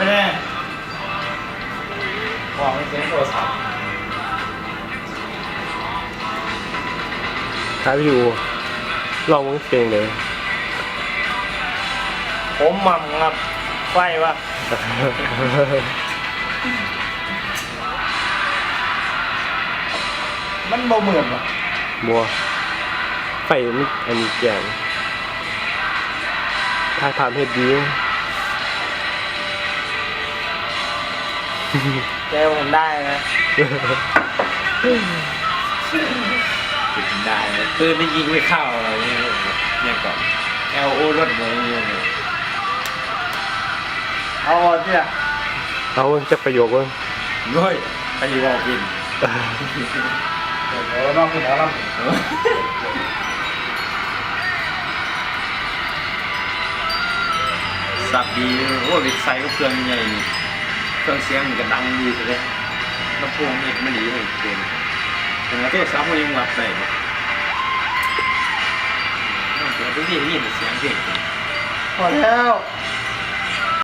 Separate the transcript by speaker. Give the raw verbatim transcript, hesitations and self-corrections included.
Speaker 1: ไม่ได้บอกไม่เสียงโทรศัพท์
Speaker 2: ครับพี่อูลองมึงเพลงเลย
Speaker 1: ผมหม่ำครับไฟวะมันเบาเหมือนอ่ะ
Speaker 2: บัวไฟมันอันนี้แกงถ่ายภาพเฮ็ดดี
Speaker 1: แกผมได้นะ
Speaker 3: ได้ปืนไม่ยิงไม่เข้าอะไรเนี่ยยังก่อนเอลโอรถเลยเนี่ย
Speaker 1: เอาที่อ่ะ
Speaker 2: เอาจะประโยคว่า
Speaker 3: เฮ้ยไปบอกกิน
Speaker 1: เดี๋ยวน้องกินแล้วครับ
Speaker 3: สับดีโอ้ยไซก็เครื่องใหญ่เครื่องเสียงมันก็ดังดีเลยลำโพงนี่มันดีเลยเกินแต่ว่าตัวซับมันยังรับได้ต้องเปิดทุกที่ยินเสียงเพลง
Speaker 1: พอแล้ว